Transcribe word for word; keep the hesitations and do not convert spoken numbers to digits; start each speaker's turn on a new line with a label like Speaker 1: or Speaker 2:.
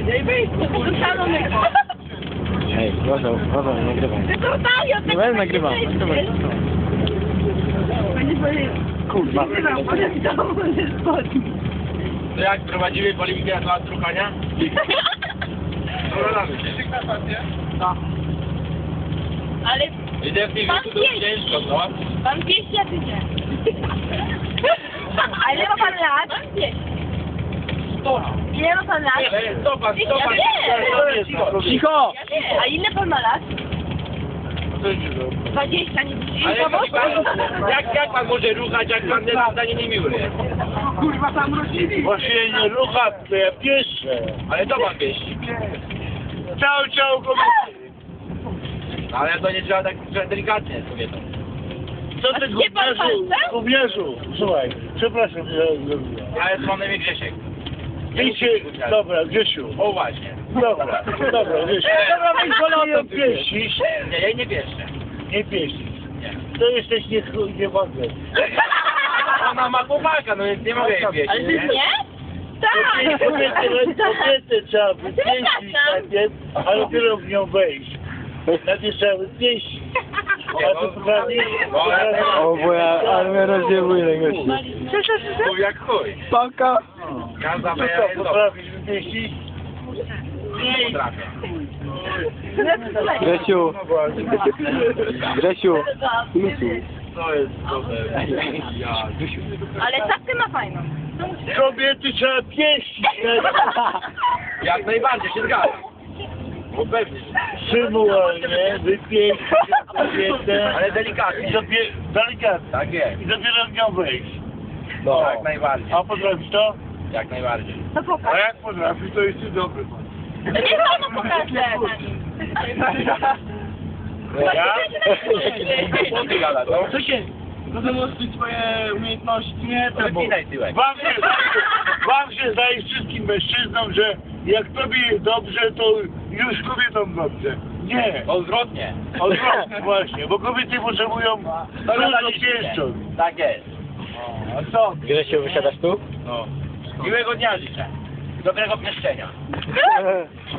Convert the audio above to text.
Speaker 1: Nie wyjść, to szalonego.
Speaker 2: Ej, uważaj, uważaj, nie nagrywaj.
Speaker 1: Ty to daję,
Speaker 2: Nie będę nagrywał, nagrywaj. Kurwa.
Speaker 3: To jak prowadzimy politykę na trukania?
Speaker 1: No. Ale
Speaker 3: Idę w tej
Speaker 1: Pan
Speaker 3: wieku to
Speaker 1: pięć.
Speaker 3: ciężko, co?
Speaker 1: pan dwieście, a ty nie. A ile ma pan lat? Pan dwieście. Ile ma pan lat?
Speaker 3: Nie, stopa,
Speaker 1: Ja
Speaker 3: stopa.
Speaker 1: wiem.
Speaker 2: Cicho!
Speaker 1: Ja wiem. A ile pan ma lat? Dwadzieścia, nie widzisz?
Speaker 3: Ale jak, pan, jak, jak pan może ruchać, jak pan jest zdanie niemiły?
Speaker 4: Kurwa tam rodzili.
Speaker 5: Właśnie nie rucha, to ja pieszę.
Speaker 3: Ale to pan pieści.
Speaker 5: Ciao, ciao, kobiety.
Speaker 3: No, ale to nie trzeba tak trzeba delikatnie z kobietą.
Speaker 5: Co
Speaker 1: A
Speaker 5: ty,
Speaker 1: gdzie pan
Speaker 5: gówniarzu,
Speaker 1: palce?
Speaker 5: gówniarzu? Słuchaj, przepraszam, że zrobiłem.
Speaker 3: Ale z panem jest Grzesiek.
Speaker 5: Wiecie, dobra, Grzesiu.
Speaker 3: O właśnie.
Speaker 5: Dobra, dobra, Grzesiu.
Speaker 3: Dobra, weź wolę
Speaker 5: Nie
Speaker 3: o tym
Speaker 5: pieścisz,
Speaker 3: Nie, ja jej nie pieszczę.
Speaker 5: nie pieścisz.
Speaker 3: Nie.
Speaker 5: To jesteś nie chuj, nie wątpię.
Speaker 3: Ona ma chłopaka, no więc nie mogę jej pieścić,
Speaker 1: Ale ty
Speaker 3: nie?
Speaker 1: nie? Tak.
Speaker 5: Kobiety, kobiety trzeba wypieścić
Speaker 1: Przepraszam.
Speaker 5: najpierw, a dopiero w nią wejść. Najpierw trzeba wypieścić. A ty potrafisz?
Speaker 2: O, bo ja, ale mnie rozdziewuje ten gości.
Speaker 3: Mów jak chuj.
Speaker 2: Paka!
Speaker 3: Ja
Speaker 5: Co
Speaker 3: zabrałem
Speaker 5: to,
Speaker 3: jest dobry.
Speaker 5: potrafisz wypieścić?
Speaker 3: Nie potrafię.
Speaker 2: Grzesiu! Grzesiu!
Speaker 3: To jest dobre. Ja.
Speaker 1: Ale czapkę ma fajną.
Speaker 5: Kobiety trzeba pieścić.
Speaker 3: Jak najbardziej się zgadzam. Bo pewnie.
Speaker 5: Przymułalnie wypieścić kobietę.
Speaker 3: Ale
Speaker 5: I
Speaker 3: delikatnie.
Speaker 5: dopiero, delikatnie.
Speaker 3: Tak jest.
Speaker 5: I dopiero w nią wejść.
Speaker 3: No. Jak najbardziej.
Speaker 5: A potrafisz to?
Speaker 3: Jak najbardziej.
Speaker 1: To
Speaker 5: A
Speaker 1: pokaż.
Speaker 5: jak potrafisz, to jesteś dobry.
Speaker 1: To niech panu pokaże na nim.
Speaker 5: Ja?
Speaker 3: Co ty gadasz, no?
Speaker 4: Co się? Zademonstruj swoje umiejętności.
Speaker 5: Nie, to bo...
Speaker 3: Wypinaj tyłek.
Speaker 5: Wam się, wam się zdaje wszystkim mężczyznom, że jak tobie jest dobrze, to już kobietom dobrze. Nie.
Speaker 3: Odwrotnie.
Speaker 5: Odwrotnie właśnie, bo kobiety potrzebują dużo pieszcząt.
Speaker 3: Tak jest.
Speaker 5: A co?
Speaker 2: Grzesiu, wysiadasz tu?
Speaker 3: No. Miłego dnia życzę. Dobrego pieszczenia.